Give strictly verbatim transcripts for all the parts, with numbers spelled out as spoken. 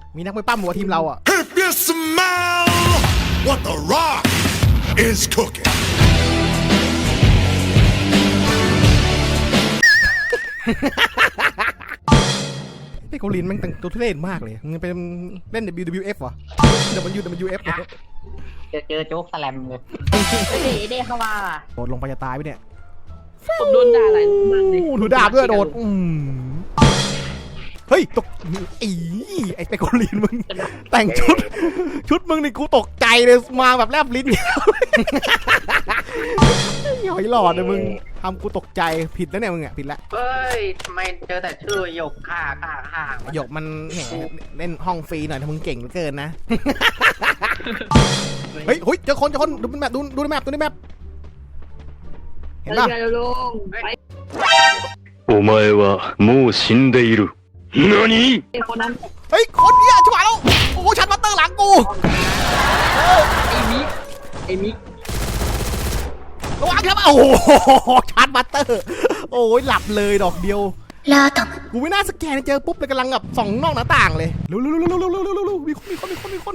มีนักมวยปั้มหัวทีมเราอ่ะ If you smell what the Rock is cooking ไอ้เกาหลีมันแต่งตัวทุเรศมากเลยมึงเป็นเล่น ดับเบิลยู ดับเบิลยู เอฟ วะ ดับเบิลยู ดับเบิลยู เอฟ เนี่ยเจอเจอโจ๊กสแลมเลยเด้เด้เข้ามาโดดลงไปจะตายไปเนี่ยผมโดนด่าหลายรอบมากเลยถือดาบด้วยโดดอืมเฮ้ยตกอีไอ้เปโกลีนมึงแต่งชุดชุดมึงนี่กูตกใจเลยมาแบบแลบลิ้นหอยหลอดเลยมึงทำกูตกใจผิดแล้วเนี่ยมึงอ่ะผิดแล้วเฮ้ยทำไมเจอแต่ชื่อหยกข่าข่าข่าหยกมันแหมเล่นห้องฟรีหน่อยถ้ามึงเก่งเหลือเกินนะเฮ้ยเฮ้ยเจอคนเจอคนดูแมปดูดูในแมปดูในแมปเห็นป่ะไปลงไปお前はもう死んでいる。何？ ไอ้คนนั้นเฮ้ยคนเนี้ยชิบหายแล้วโอ้ชันมาเตอร์หลังกูไอ้มิกไอ้มิกระวังครับโอ้โหชันมาเตอร์โอ้ยหลับเลยดอกเดียวกูไม่น่าสแกนเจอปุ๊บเลยกำลังแบบส่องนอกหน้าต่างเลยเร็วเร็วเร็วเร็วเร็วเร็วเร็วมีคนมีคนมีคนมีคน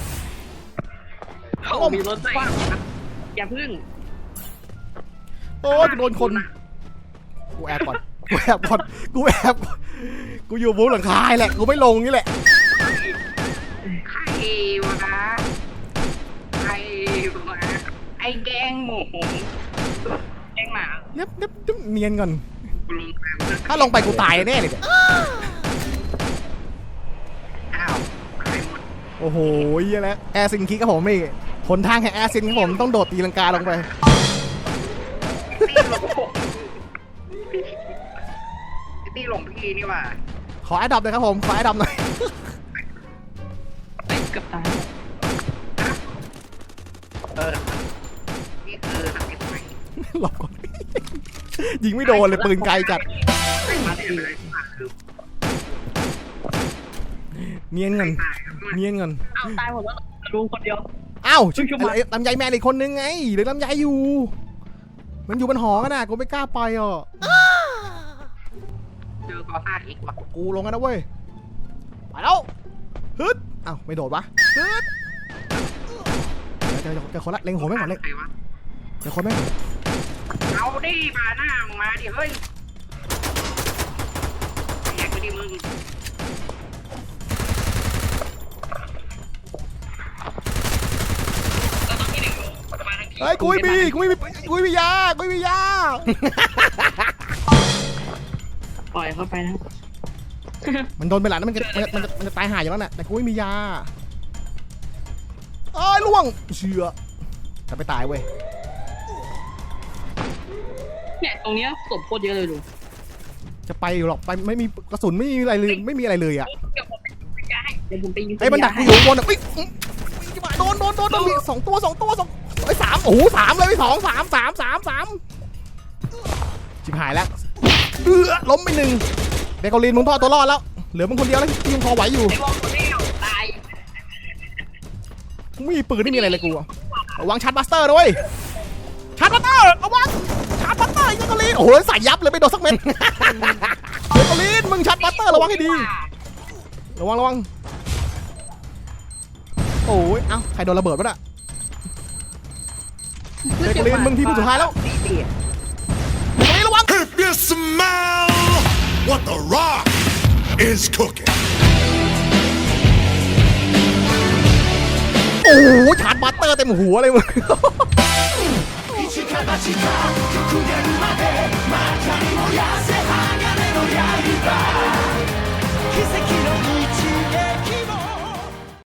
เขามีรถไฟอย่าพึ่งโอ้ยโดนคนกูแอบก่อนกูแอบก่อนกูแอบกูอยู่บนหลังคาแหละกูไม่ลงนี่แหละใครวะใครวะไอ้แกงหมูแกงหมาเน็บเน็บเน็บเนียนก่อนกูลงไปถ้าลงไปกูตายแน่เลยเนี่ยอ้าวใครหมดโอ้โหเหี้ยแล้วแอร์ซินคิกครับผมนี่หนทางแห่งแอร์ซินครับผมต้องโดดตีลังกาลงไปตี้หลงตี้หลงพี่นี่ว่ะขอแอดดอปเลยครับผมขอแอดดอปหน่อยไอ้เกือบตายเออนี่คือทำยังไงหลบก่อนยิงไม่โดนเลยปืนไกลจัดมาได้เลยคือเนียนเงินเนียนเงินอ้าวตายหมดแล้วลุงคนเดียวอ้าวชุบชุบมาไอ้ลำไยแมนอีกคนนึงไงเหลือลำไยอยู่ มันอยู่บนหอกันนะกูไม่กล้าไปอ่ะเจอกอซ่าอีกว่ะกูลงกันนะเว้ยไปแล้วฮึดอ้าวไม่โดดวะฮึดเจอเจอคนละเล็งหัวไม่ก่อนเล็งใครวะเจอคนไม่ก่อนเอาดิมาหน้ามึงมาดิเฮ้ยแยกไปดิมึงเฮ้ยกูไม่มีกูไม่มีกูไม่มียากูไม่มียาปล่อยเข้าไปนะมันโดนไปหลังนั้นมันจะมันจะมันจะมันจะตายหายอยู่แล้วน่ะแต่กูไม่มียาเอ้ยล่วงเชื่อจะไปตายเว้ยเนี่ยตรงเนี้ยศพโคตรเยอะเลยลุงจะไปอยู่หรอกไปไม่มีกระสุนไม่มีอะไรเลยไม่มีอะไรเลยอ่ะเดี๋ยวผมไปยิงให้เดี๋ยวผมไปยิงไอ้มันดักกูอยู่บนอ่ะปิ๊งโดนโดนโดนโดนมีสองตัวสองตัวสองไอ้สามโอ้โหสามเลยสองสามสามสามสามชิบหายแล้วเอื้อล้มไปหนึ่งเดกอลินมึงพอตัวรอดแล้วเหลือมึงคนเดียวแล้วที่ยังพอไหวอยู่ไอ้วอลคนเดียวตายมึงไม่มีปืนไม่มีอะไรเลยกูอะระวังชาร์จบัสเตอร์ด้วยชาร์จบัสเตอร์ระวังชาร์จบัสเตอร์เดกอลินโอ้โหใส่ยับเลยไม่โดนสักเม็ดเดกอลินมึงชาร์จบัสเตอร์ระวังให้ดีระวังระวังโอ้ยเอ้าใครโดนระเบิดวะน่ะเดกอลินมึงที่สุดท้ายแล้วเดกอลินระวัง If you smell what the Rock is cooking โอ้โหชาร์จบัสเตอร์เต็มหัวเลยมึง